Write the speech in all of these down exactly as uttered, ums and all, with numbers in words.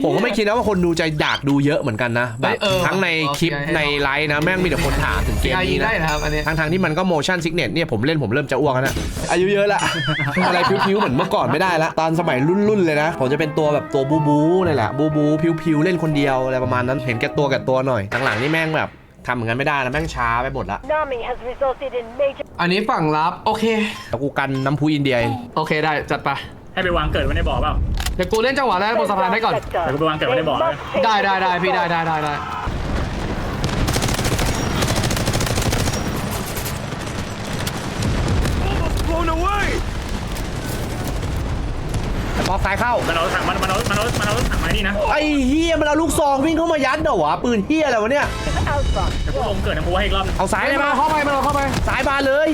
ผมก็ไม่คิดนะว่าคนดูจะอยากดูเยอะเหมือนกันนะแบบทั้งในคลิปในไลฟ์นะแม่งมีแต่คนถามถึงเกมนี้นะทั้งทางที่มันก็ motion sickness เนี่ยผมเล่นผมเริ่มจะอ้วกแล้วนะอายุเยอะละอะไรพิ้วๆเหมือนเมื่อก่อนไม่ได้ละตอนสมัยรุ่นๆเลยนะผมจะเป็นตัวแบบตัวบูบูนี่แหละบูบูพิ้วๆเล่นคนเดียวอะไรประมาณนั้นเห็นแก่ตัวแก่ตัวหน่อยหลังๆนี่แม่งแบบทำเหมือนกันไม่ได้แล้วแม่งช้าไปหมดละอันนี้ฝั่งรับโอเคแต่กูกันน้ำพุอินเดียโอเคได้จัดไปให้ไปวางเกิดไว้ในบ่อเปล่าเดี๋ยวกูเล่นจังหวะแรกบนสะพานได้ก่อนเดี๋ยวกูไปวางเกิดไว้ในบ่อได้ได้ได้พี่ได้ได้ได้ได้แต่พอซ้ายเข้ามันเอาถังมันมันเอามันเอามันเอาถังไม้นี่นะไอ้เฮียมันเอาลูกซองวิ่งเข้ามายัดเหรอวะปืนเฮียอะไรวะเนี่ยเดี๋ยวกูลงเกิดนะกูให้อีกรอบเอาซ้ายเลยมาเข้าไปมาเข้าไปซ้ายบานเลย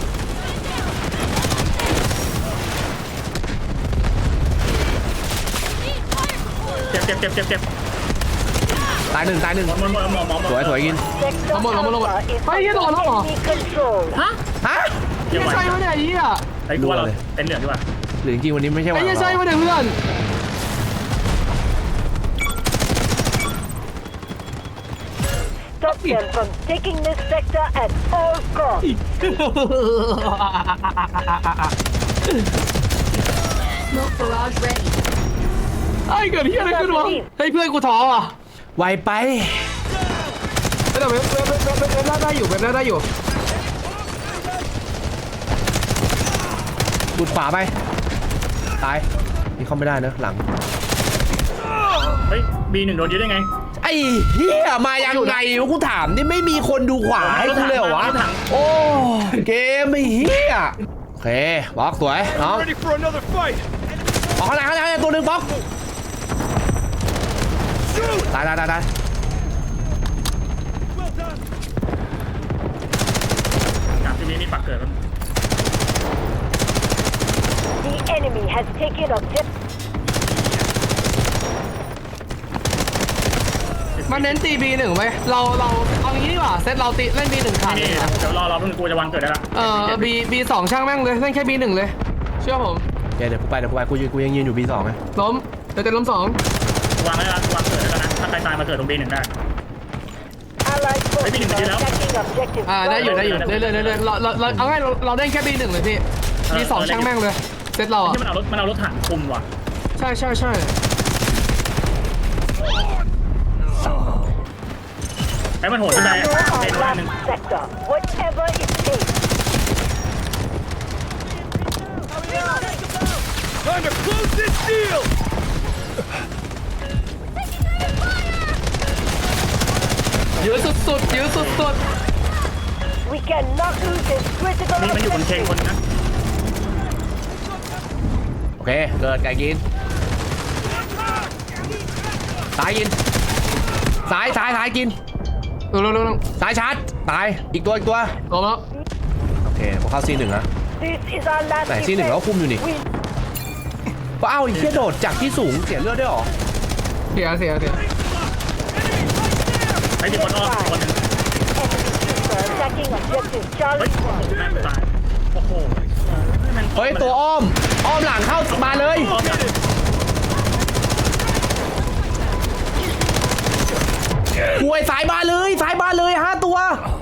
เจ็บเจ็บเจ็บเจ็บเจ็บตายหนึ่งตายหนึ่งหมดหมดหมดหมดหมดสวยสวยกินหมดหมดหมดหมดเฮ้ยยี่โดนแล้วเหรอฮะฮะไม่ใช่วะเนี่ยยี่อ่ะไอ้กูว่าเราเป็นเหลืองดีกว่าหรือจริงวันนี้ไม่ใช่วันไม่ใช่วะเนี่ยเพื่อน Stop them from taking this sector at all costs. Smoke barrage ready. ไอ้เกิดที่อะไรขึ้นวะเฮ้ยเพื่อนกูท้ออ่ะไวไปแต่เว็บเว็บเว็บเว็บเว็บได้อยู่เว็บได้อยู่ดูดขวาไปตายนี่เข้าไม่ได้เนอะหลังเฮ้ยบีหนึ่งโดนยึดได้ไงไอ้เฮียมายังไงวะกูถามนี่ไม่มีคนดูขวาให้กูเลยเหรอวะโอ้เกมไอ้เฮียโอเคบล็อกสวยน้องออกข้างหลังข้างหลังตัวหนึ่งบล็อกตายตายตายตายจากที่นี้นี่ปักเกิดแล้ว The enemy has taken objective. มันเน้นตีบีหนึ่งไหมเราเราเอางี้ดีกว่าเซตเราตีเล่นบีหนึ่งขาดเลยนะเดี๋ยวรอรอเพิ่งกูจะวางเกิดได้ละเออบีบีสองช่างแม่งเลยเล่นแค่บีหนึ่งเลยเชื่อผมเดี๋ยวเดี๋ยวกูไปเดี๋ยวกูไปกูยืนกูยังยืนอยู่บีสองไงล้มเดี๋ยวจะล้มสองวางได้ละวางเกิดได้แล้วนะถ้าใครตายมาเกิดตรงบีหนึ่งได้อ่าได้อยู่ได้อยู่เรื่อยเรื่อยเรื่อยเราเราเราเอาง่ายเราเราเล่นแค่บีหนึ่งเลยพี่บีสองช่างแม่งเลยเซตเราอ่ะที่มันเอารถมันเอารถถังคุมว่ะใช่ใช่ใช่ไอ้มันโหดที่ไหนเด็ดวันหนึ่งเยอะสุดๆเยอะสุดๆ We cannot lose this critical นี่มันอยู่บนเชงคนนะโอเคเกิดไก่กินซ้ายกินซ้ายซ้ายซ้ายกินเร็วเร็วเร็วซ้ายชาร์จตายอีกตัวอีกตัวลงแล้วโอเคผมเข้าซีหนึ่งนะไหนซีหนึ่งแล้วคุมอยู่นี่ว้าวไอ้เหี้ยโดดจากที่สูงเสียเลือดได้หรอเสียเสียเสียไอ้ที่คนอ้อมคนนึงเฮ้ยแม่งตายโอ้โหเฮ้ยตัวอ้อมอ้อมหลังเข้ามาเลยป่วยสายบานเลยสายบานเลยห้าตัว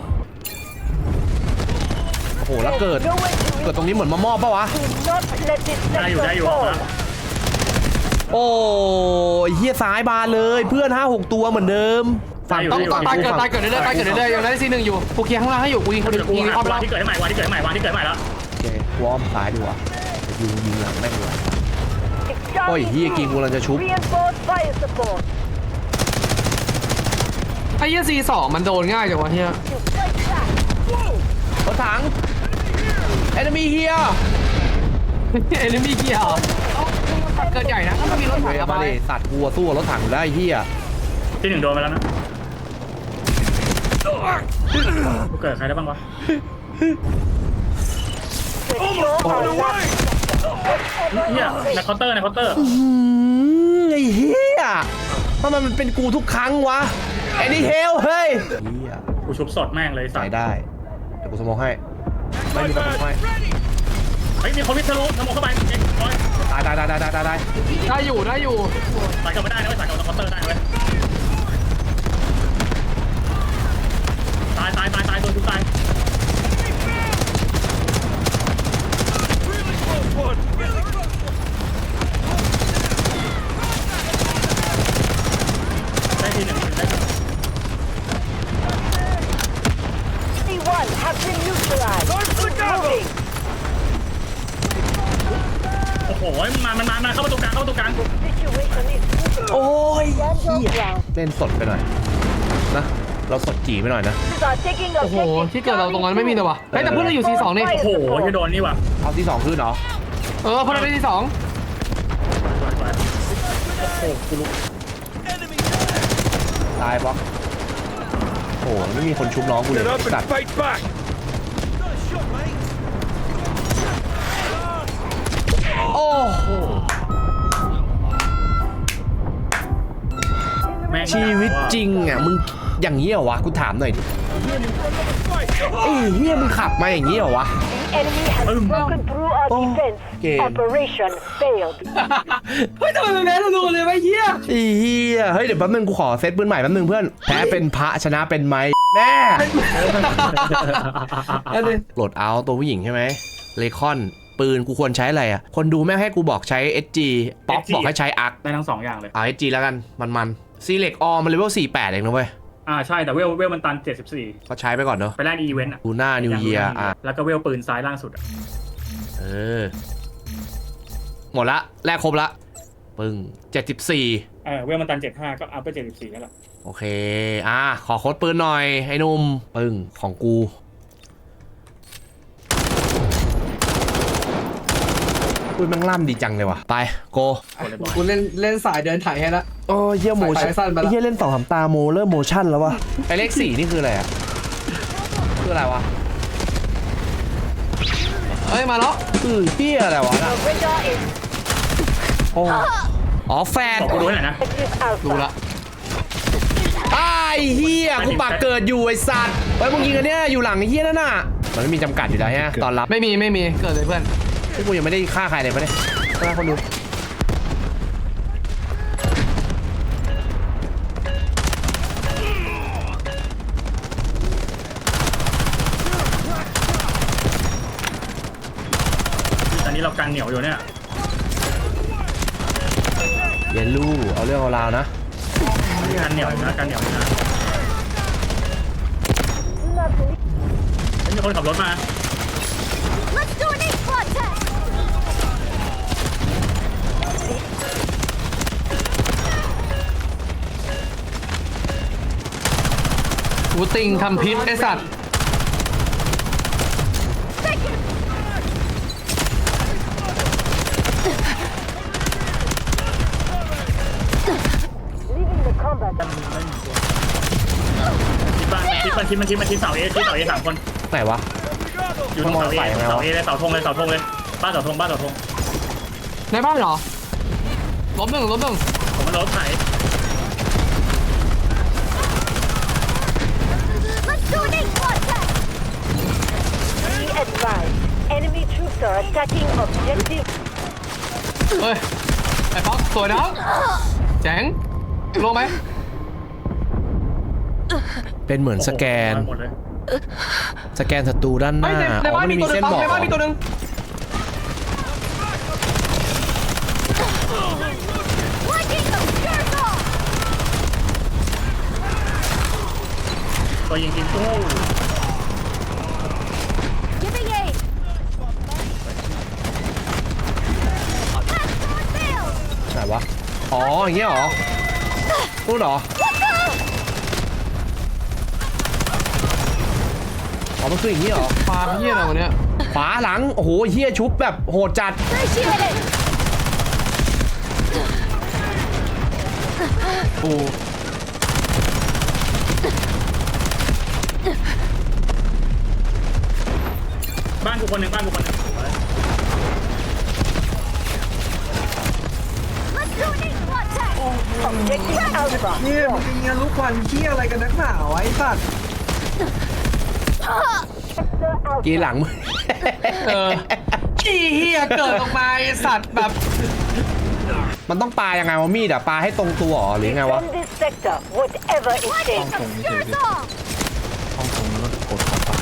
โอ้โหแล้วเกิดเกิดตรงนี้เหมือนมามอบปะวะได้อยู่ได้อยู่โอ้ยเฮียสายบานเลยเพื่อนห้าหกตัวเหมือนเดิมฝั่งต้องตายเกิดตายเกิดเรื่อยๆตายเกิดเรื่อยๆยังได้ซีหนึ่งอยู่กูเคลียร์ข้างล่างให้อยู่กูยิงคนเดียวกูยิงอ้อมล่างที่เกิดใหม่วันที่เกิดใหม่วันที่เกิดใหม่แล้วโอเควอร์มซ้ายดีกว่ายิงยิงหลังแม่งดีกว่าโอ้ยเฮียกิงกูกำลังจะชุบไอ้เหี้ยซีสองมันโดนง่ายจังวะเฮียรถถัง enemy here enemy here เกิดใหญ่นะถ้ามันมีรถถังมาดิสัตว์กลัวสู้รถถังได้เฮียที่หนึ่งโดนไปแล้วนะกูเกิดใครได้บ้างวะเฮียในเคาน์เตอร์ในเคาน์เตอร์ไอ้เฮียทำไมมันเป็นกูทุกครั้งวะไอ้นี่เฮลเฮ้ยกูชุบสดแม่งเลยใส่ได้เดี๋ยวกูสมองให้ไม่มีกระสุนให้ฮ้ยมีคนวิทะลุทะลุเข้าไปเอ็งร้อยตายตายตายตายตายตายได้อยู่ได้อยู่ใส่กลับไม่ได้นะไม่ใส่กลับคอนเตอร์ได้เว้ยตายตายตายตายตัวทุกตายได้ทีหนึ่งได้ C one has been neutralized. Moving. โอ้โหมันมามันมามาเข้าประตูกลางเข้าประตูกลาง Situation is critical. โอ้ย Stand เหี้ your ย ground. เล่นสดไปหน่อยนะเราสดจีไปหน่อยนะ Forces are taking โอ้โห objective ที่เกิดเราตรงนั้นไม่มีเลยว่ะเฮ้ยแต่เพื่อนเราอยู่ ซี สองนี่โอ้โหจะโดนนี่ว่ะเอาที่สองขึ้นเหรอเออเพื่อนเราได้ ซี สองโอ้โหกูรู้ตายปะโอ้โหไม่มีคนชุบน้องกูเลยสัตว์โอ้โหแม่งชีวิตจริงอ่ะมึงอย่างนี้เหรอวะกูถามหน่อยดิไอ้เฮียมึงขับมาอย่างนี้เหรอวะ The enemy has broken through our Oh, defense. game. Operation failed. เฮ้ยทำไมมันแพ้รัวๆเลยไอ้เหี้ยไอ้เฮียเฮ้ยเดี๋ยวแป๊บนึงกูขอเซตปืนใหม่แป๊บนึงเพื่อนแพ้เป็นพระชนะเป็นไม้แม่อันนี้โหลดเอาตัวผู้หญิงใช่ไหมเลคอนปืนกูควรใช้อะไรอ่ะคนดูแม่งให้กูบอกใช้ เอส จี ป๊อกบอกให้ใช้อาร์คได้ทั้งสองอย่างเลยเอา เอส จี แล้วกันมันมันซีเล็กออมันเลเวลสี่สิบแปดเองนะเว้ยอ่าใช่แต่เวลเวลมันตันเจ็ดสิบสี่ก็ใช้ไปก่อนเนอะไปแลกอีเวนต์อ่ะดูหน้านิวเยียร์อ่ะแล้วก็เวลปืนซ้ายล่างสุดอ่ะเออหมดละแลกครบละปึ้งเจ็ดสิบสี่เออเวลมันตันเจ็ดห้าก็อัพไปเจ็ดสิบสี่นั่นแหละโอเคอ่ะขอโค้ดปืนหน่อยไอ้หนุ่มปึ้งของกูปืนแม่งล่ำดีจังเลยว่ะไปโกกูเล่นเล่นสายเดินถ่ายให้ละโอ้เยี่ยโมชั่นสายสั้นไปละไอ้เยี่ยเล่นสองสามตาโมเริ่มโมชั่นแล้ววะไอเลขสี่นี่คืออะไรอ่ะคืออะไรวะเฮ้ยมาแล้วคือเฮียอะไรวะ The radar is โอ้อ๋อแฟนบอกกูดูให้หน่อยนะ active ดู alpha. ละไอ้เฮียกูปากเกิดอยู่ไอ้สัตว์ไอ้มึงยิงอันเนี้ยอยู่หลังไอ้เฮียนั่นน่ะมันไม่มีจำกัดอยู่แล้วฮะตอนรับไม่มีไม่มีเกิดเลยเพื่อนที่กูยังไม่ได้ฆ่าใครเลยปะเนี่ยฆ่าคนดูตอนนี้เรากันเหนียวอยู่เนี่ยเยนลู่เอาเรื่องเอาราวนะกันเหนียวอยู่นะกันเหนียวอยู่นะมีคนขับรถมา Let's do an eight-spot test. กูติงทำพิษไอสัตว์ Leaving the combat. คิดบ้านคิดมันคิดมันคิดมันคิดเสาเอคิดเสาเอสามคนไหนวะอยู่ตรงเสาเอมองใส่ยังไงวะเสาเอเลยเสาธงเลยเสาธงเลยบ้านเสาธงบ้านเสาธงในบ้านเหรอล้มหนึ่งล้มหนึ่งผมมันรถไถ Let's do an eight-spot test. Be advised. Enemy troops are attacking objective. เฮ้ยไอ้ป๊อกสวยนะแจ๋งลงไหมเป็นเหมือนสแกนหมดเลยสแกนศัตรูด้านหไม่น้าในในอ๋อบ้านมันมีมีตัวหนึเส้งนป๊อกบอกในบ้านมีตัวหนึง Lighting the jerk off. ตัวยิงกินตู้ Giving aid. Passport failed. ไหนวะอ๋ออย่างเงี้ยเหรอพูดเหรออ๋อมันคืออย่างงี้เหรอปาเฮียอะไรวะเนี่ยขวาหลังโอ้โหเฮียชุบแบบโหดจัด Appreciate it. โอ้บ้านกูคนหนึ่งบ้านกูคนหนึ่ง Let's do an eight-spot test. Objective alpha. เฮียมึงยิงลูกควันเฮียอะไรกันนักหนาวะไอ้สัตว์กีหลังมึงเออขี้เฮียเกิดออกมาไอสัตว์แบบมันต้องปายังไงวะมีดอะปาให้ตรงตัวเหรอหรือไงวะ Defend this sector, whatever it takes. Yours all. ห้องตรงแล้วก็กดเข้าไป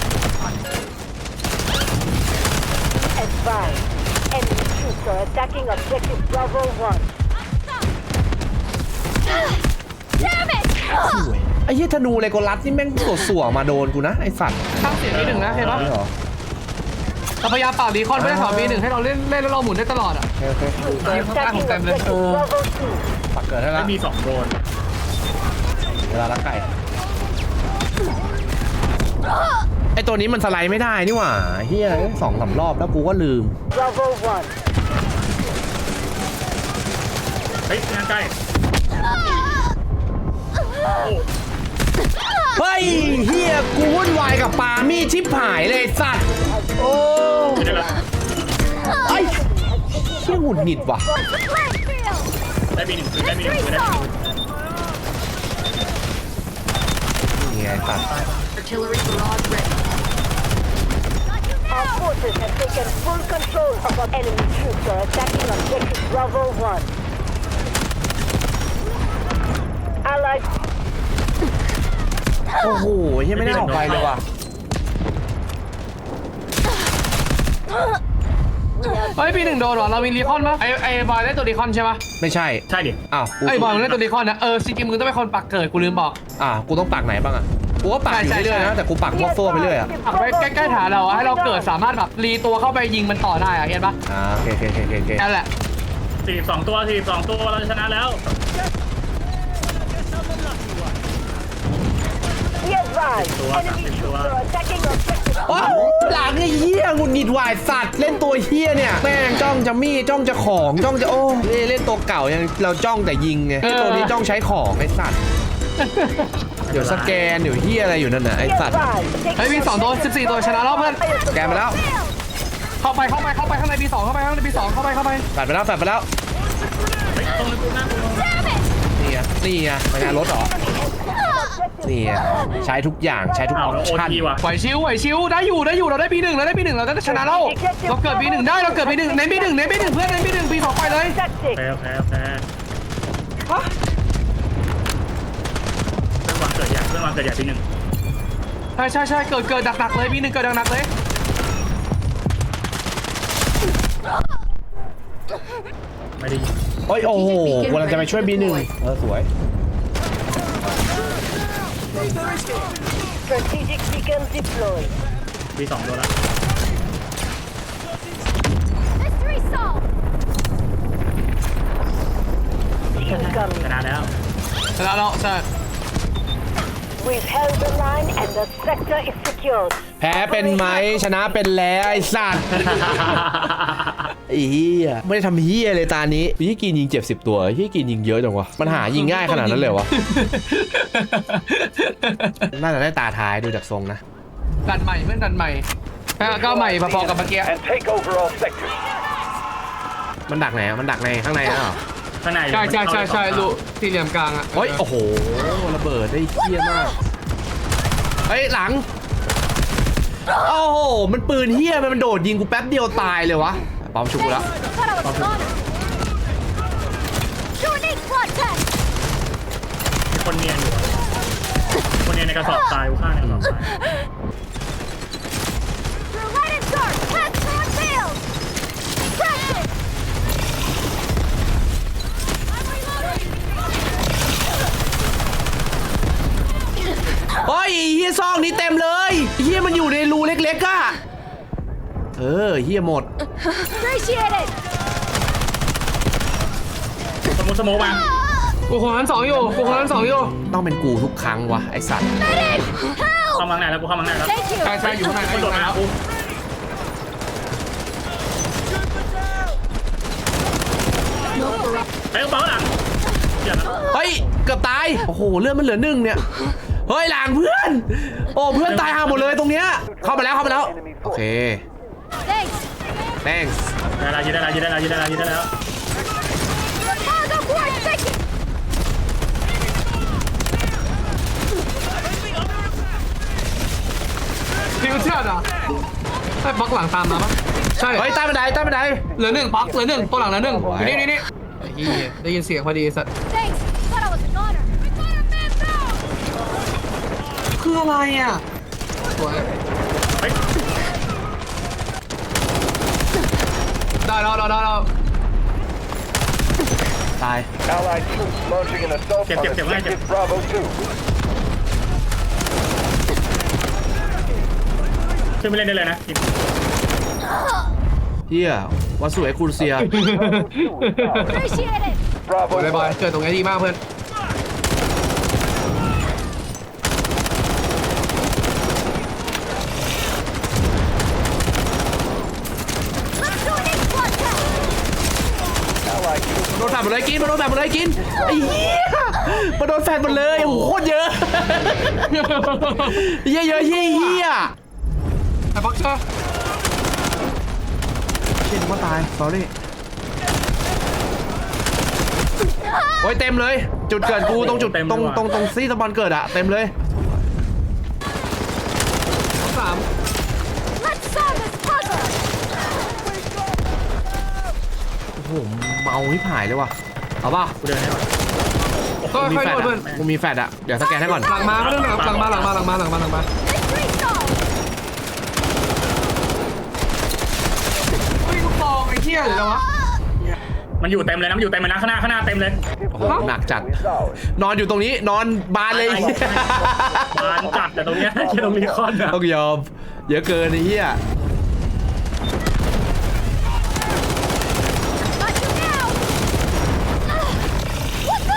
Advise. Enemy troops are attacking objective Bravo one. Damn it! ไอ้เหี้ยธนูเลโกลัสนี่แม่งสวๆมาโดนกูนะไอ้สัตว์ข้างเสียงบีหนึ่งนะเห็นปะนี่เหรอเราพยายามเป่ารีคอนไม่ได้ถอดบีหนึ่งให้เราเล่นเล่นแล้วเราหมุนได้ตลอดอ่ะโอเคโอเค Troops are attacking Damn it. objective Bravo two. ปักเกิดให้ไม่ละมีสองโดนเวลาละไก่ไอ้ตัวนี้มันสไลด์ไม่ได้นี่หว่าเฮียสองสามรอบแล้วกูก็ลืม Bravo one. เฮ้ยงานใกล้เฮ้ยเฮียกูวุ่นวายกับปามีดชิบหายเลยไอ้สัตว์โอ้ไม่ได้ละไอ้เฮียหงุดหงิดว่ะ Landfill! ได้บีหนึ่งได้บีหนึ่ง Mystery ได้บีหนึ่ง zone! นี่ไงไอ้สัตว์ Our forces have taken full control of our enemy troops are attacking objective Bravo one. Allied โอ้โหเฮียไม่ได้ออกไปเลยว่ะเฮ้ยบีหนึ่งโดนเหรอเรามีรีคอนปะไอไอบอยได้ตัวรีคอนใช่ปะไม่ใช่ใช่ดิอ้าวกูไอบอยมันได้ตัวรีคอนนะเออจริงๆมึงต้องเป็นคนปักเกิดกูลืมบอกอ่ากูต้องปักไหนบ้างอ่ะกูก็ปักอยู่ใช่ใช่เรื่อยๆนะแต่กูปักมั่วซั่วไปเรื่อยอ่ะปักไว้ใกล้ๆฐานเราอะให้เราเกิดสามารถแบบรีตัวเข้าไปยิงมันต่อได้อะเห็นปะอ่าโอเคโอเคโอเคโอเคโอเคนั่นแหละสี่สองตัวสี่สองตัวเราชนะแล้ว Be advised. Enemy troops are attacking objective โอ้าวหลังไอ้เหี้ยหงุดหงิดวายสัตว์เล่นตัวเหี้ยเนี่ยแม่งจ้องจะมีดจ้องจะของจ้องจะโอ้เล่นเล่นตัวเก่ายังเราจ้องแต่ยิงไงไอ้ตัวนี้จ้องใช้ของไอ้สัตว์เดี๋ยวสแกนเดี๋ยวเหี้ยอะไรอยู่นั่นน่ะไอ้ Be สัตว์ advised. Take เฮ้ยมีสองตัวสิบสี่ตัวชนะแล้วเพื่อนสแกนไปแล้วเข้าไปเข้าไปเข้าไปข้างในบีสองเข้าไปข้างในบีสองเข้าไปเข้าไปแปดไปแล้วแปดไปแล้วเฮ้ยตรงนี้กูหน้ากูลง Damn it! นี่ไงนี่ไงไปงานรถเหรอนี่ไงใช้ทุกอย่างใช้ทุกออ้าวอปแล้วโอชั่นทีว่ะไหวชิวไหวชิวได้อยู่ได้อยู่เราได้บีหนึ่งเราได้บีหนึ่งเราได้ชนะแล้วเราเกิดบีหนึ่งได้เราเกิดบีหนึ่งเน้นบีหนึ่งเน้นบีหนึ่งเพื่อนเน้นบีหนึ่งบีสองไปเลย tactics. โอเคโอเคโอเคเพื่อนวางเกิดใหญ่เพื่อนวางเกิดใหญ่ปีหนึ่งใช่ใช่ใช่เกิดเกิดหนักๆเลยบีหนึ่งเกิดหนักๆเลยไม่ได้ยินโอ้ยโอ้โหกำลังจะไปช่วยบีหนึ่งเออสวย Strategic beacon deployed. บีสองตัวแล้ว Mystery zone! Incoming. ชนะแล้วชนะแล้วใช่ We've held the line and the sector is secured. แพ้เป็นไหมชนะเป็นแล้วไอ้สัตว์ ไอ้เหี้ยไม่ได้ทำเหี้ยเลยตานี้พี่กินยิงเจ็บสิบตัวพี่กินยิงเยอะจังวะมันหายิงง่ายขนาดนั้นเลยวะ น่าจะได้ตาท้ายดูจากทรงนะดันใหม่เพื่อนดันใหม่ก็ใหม่พอๆกับเมื่อกี้ and take over all sectors. มันดักไหนอะมันดักในข้างในนะเหรอข้างในใช่ใช่ใช่ใช่รูสี่เหลี่ยมกลางอ่ะเฮ้ยโอ้โหระเบิดได้เหี้ยมากเฮ้ยหลังโอ้โหมันปืนเหี้ยมันโดดยิงกูแป๊บเดียวตายเลยวะปอมชุบกูแล้ว Thought I was gone. Unique blood test! มีคนเนียนอยู่อะคนเนียนในกระสอบทรายกูฆ่าในกระสอบทราย Through light and dark, path through field! Practice! I'm reloading! เฮ้ยเฮียซองนี้เต็มเลยเฮียมันอยู่ในรูเล็กๆอะเออเฮียหมด Appreciate it! สมมุติสโมกมากูคนนั้นสองอยู่กูคนนั้นสองอยู่ต้องเป็นกูทุกครั้งวะไอสัตว์ Medic! Help! เข้ามาข้างในแล้วกูเข้ามาข้างในแล้ว Thank you! ใช่ใช่อยู่ข้างในคนอโดยู่ดข้างในมาแล้วกู ไปกระเป๋าหลังอย่านะเฮ้ยเกือบตายโอ้โหเลือดมันเหลือหนึ่งเนี่ยเฮ้ยหลังเพื่อนโอ้เพื่อนตายห่าหมดเลยตรงเนี้ยเข้ามาแล้วเข้ามาแล้วโอเค Thanks! thanks ได้แล้วยืดได้แล้วยืดได้แล้วยืดได้แล้วยืดได้แล้ว Cargo port second! ฟิวเจอร์ดอ่ะไอ้บล็อกหลังตามมาปะใช่เฮ้ยใต้บันไดใต้บันไดเหลือหนึ่งบล็อกเหลือหนึ่งตัวหลังเหลือหนึ่งอยู่นี่นี่นี่ไอ้เหี้ยได้ยินเสียงพอดีสัตว์ Thanks. Thought I was a goner. We got a man down. คืออะไรอ่ะสวยเฮ้ยได้แล้วได้แล้วตาย Allied troops launching an assault Get, on get, get, get. objective Bravo two. ขึ้นไปเล่นได้เลยนะกินเฮียวัสดุเอ็กซ์ครูเซีย Appreciate it. Bravo บายบาย one. เกิดตรงนี้ดีมากเพื่อน Let's do an eight-squad test. Allied troops โดนแฟดหมดเลยกินมาโดนแฟดหมดเลยกินไอ้เหี้ยมาโดนแฟดหมดเลยโอ้โหโคตรเยอะเยอะเยอะเฮียเฮียไอ้บล็อกเชอร์เชี่ยนึกว่าตาย sorry โอ้ยเต็มเลย จุดเกิดกูตรงจุดตรงตรงตรงซี่สปอนเกิดอะเต็มเลยสาม Let's solve this puzzle. โอ้โหเมาที่ผายเลยว่ะเอาป่ะกูเดินให้ก่อนก็กูมีค่อยแฟโดดนเพื่อนอะกูมีแฟดอะเดี๋ยวสแกนให้ก่อนหลังมาไม่ต้องหลังมาหลังมาหลังมาหลังมาหลังมา Mystery solved. เฮ้ยลูกซองไอ้เหี้ยหรืออะไรวะมันอยู่เต็มเลยนะมันอยู่เต็มเลยนะข้างหน้าข้างหน้าเต็มเลยโอ้โหหนักจัด resolved. นอนอยู่ตรงนี้นอนบานเลยบานจัดแต่ตรงเนี้ยแค่ตรงนี้คอนอะต้องยอมเยอะเกินไอ้เหี้ย Got you now. What the?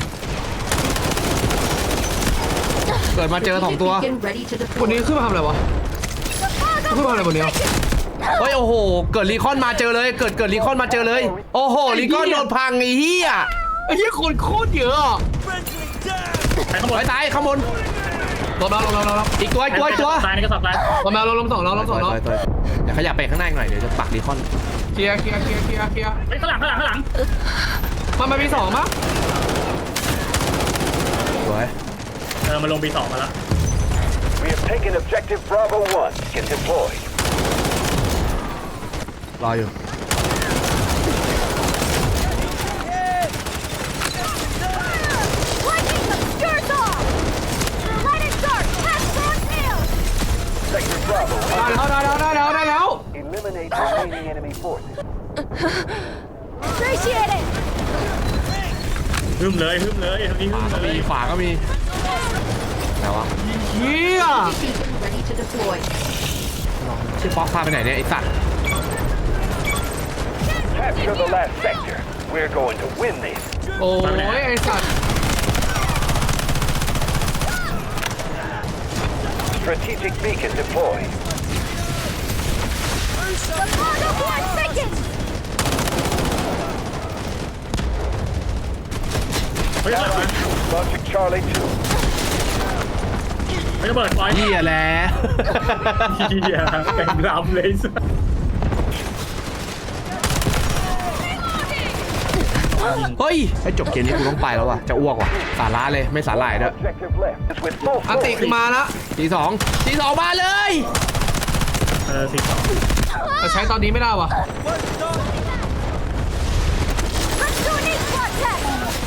เกิดมาเจอสองตัวคนนี้ขึ้นมาทำอะไรวะ The ขึ้นมา puzzle อะไรบนนี้เฮ้ยโอ้โหเกิดรีคอนมาเจอเลยเกิดเกิดรีคอนมาเจอเลย โอ้โหรีคอนโดนพังไอ้เหี้ยไอ้เหี้ยคนโคตรเยอะอ่ะไปข้างบนไปตายข้างบนลงแล้วลงแล้วลงแล้วอีกตัวอีกตัวอีกตัวตายในกระสอบตายลงแล้วลงสองแล้วลงสองแล้วตัวเดี๋ยวขยับไปข้างหน้าอีกหน่อยเดี๋ยวจะปักรีคอนเคลียร์เคลียร์เคลียร์เคลียร์เคลียร์เฮ้ยข้างหลังข้างหลังข้างหลังมันมามีสองมั้งสวยเออมาลงบีสองมาแล้ว We have taken objective Bravo one. Get deployed. รออยู่ Lightning obscures all. Light it dark. Pass through tails. Sector Bravo. ได้แล้วได้แล้วได้แล้วได้แล้ว Eliminate remaining enemy forces. Appreciate it. ฮึมเลยฮึมเลยตรงนี้ฮึขวามก็เลมียขวาก็มีไหนวะเฮียชื่อป๊อกพาไปไหนเนี่ยไอ้สัตว์ Capture the last sector. We're going to win this. โอ้ยไอ้สัตว์ Strategic beacon deployed. The cargo board sinking. เฮ้ยระเบิด Allied troops launching Charlie two. เฮ้ยระเบิดปล่อยเหี้ยแหละเหี้ยเต็มลำเลยสัสเฮ้ยไอ้จบเกมนี้กูต้องไปแล้วว่ะจะอ้วกว่ะสาระเลยไม่สาหร่ายด้วย Objective left is with full อันติ force. คือมาแล้วทีสองทีสองมาเลยเออสิบสองแต่ใช้ตอนนี้ไม่ได้ว่ะ Let's do an eight-squad test.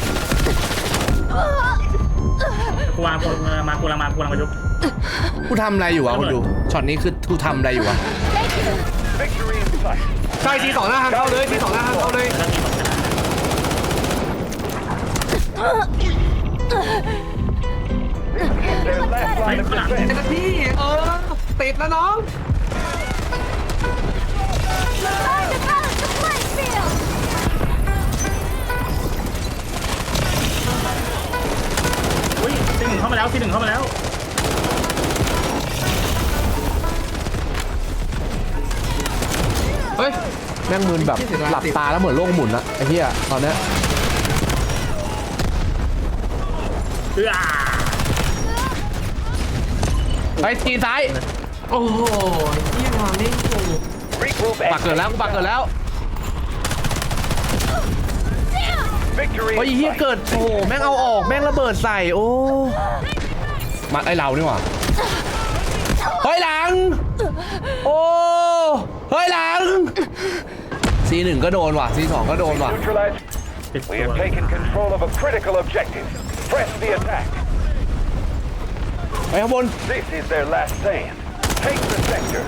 กูวางกูมากูลังมากูลังมาจุ๊บกูทำอะไรอยู่วะคุณดูช็อตนี้คือกูทำอะไรอยู่วะ Thank you. Victory in sight. ใช่ทีสองหน้าทางเข้าเลยทีสองหน้าทางเข้าเลยแล้วทีสองชนะ Their last line of ข้างหลังเจ้า defense. หน้าที่เออติดแล้วน้อง Time to balance the playing field. อุ้ยซีหนึ่งเข้ามาแล้วซีหนึ่งเข้ามาแล้วเฮ้ยแม่งมึนแบบหลับตาแล้วเหมือนโลกหมุนอะไอ้เหี้ยตอนเนี้ยเอื้อไปทีซ้ายโอ้โหเฮียมาเล่นกู Regroup ปักเกิด and แล้วกูปักเกิดแล้ว victory โอ้ย in เหี้ย sight. เกิดโอ้โหแม่งเอาออกแม่งระเบิดใส่โอ้มาไอเรานี่หว่าเฮ้ยหลังโอ้เฮ้ยหลัง ซีหนึ่งก็โดนว่ะ ซีสองก็โดนว่ะ Neutralize. ติด We ตัว have taken control of a critical objective. Press the attack. ไปข้างบน This is their last stand. Take the sector.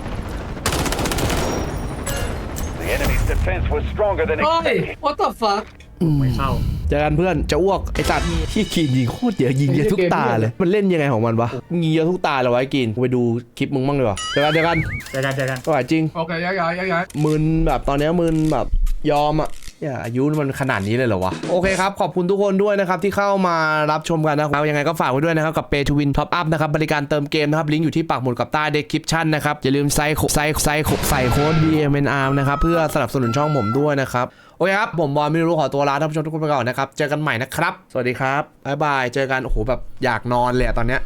The enemy's defense was stronger than เฮ้ย expected. what the fuck ไม่เข้าเจอกันเพื่อนจะอ้วกไอ้ตัดขี้กินยิงโคตรเยอะยิงเยอะทุกตาเลย มันเล่นยังไงของมันวะยิงเยอะทุกตาเลยวะไอ้กินกูไปดูคลิปมึงบ้างดีกว่าเจอกันเจอกันเจอกันเจอกันก็ไหวจริงโอเคย้ายย้ายย้ายย้ายมึนแบบตอนเนี้ยมึนแบบยอมอ่ะอย่าอายุมันขนาดนี้เลยเหรอวะโอเคครับขอบคุณทุกคนด้วยนะครับที่เข้ามารับชมกันนะครับยังไงก็ฝากไว้ด้วยนะครับกับ Pay to Win Top Up นะครับบริการเติมเกมนะครับลิงก์อยู่ที่ปักหมุดกับใต้ description นะครับอย่าลืมใส่ใส่ใส่ใส่โค้ด บี เอ็ม เอ็น อาร์ นะครับเพื่อสนับสนุนช่องผมด้วยนะครับโอเคครับผมบอลไม่รู้ขอตัวลาท่านผู้ชมทุกคนไปก่อนนะครับเจอกันใหม่นะครับสวัสดีครับบ๊ายบายเจอกันโอ้โหแบบอยากนอนเลยอะตอนเนี้ย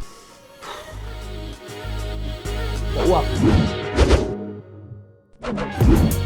อ้วก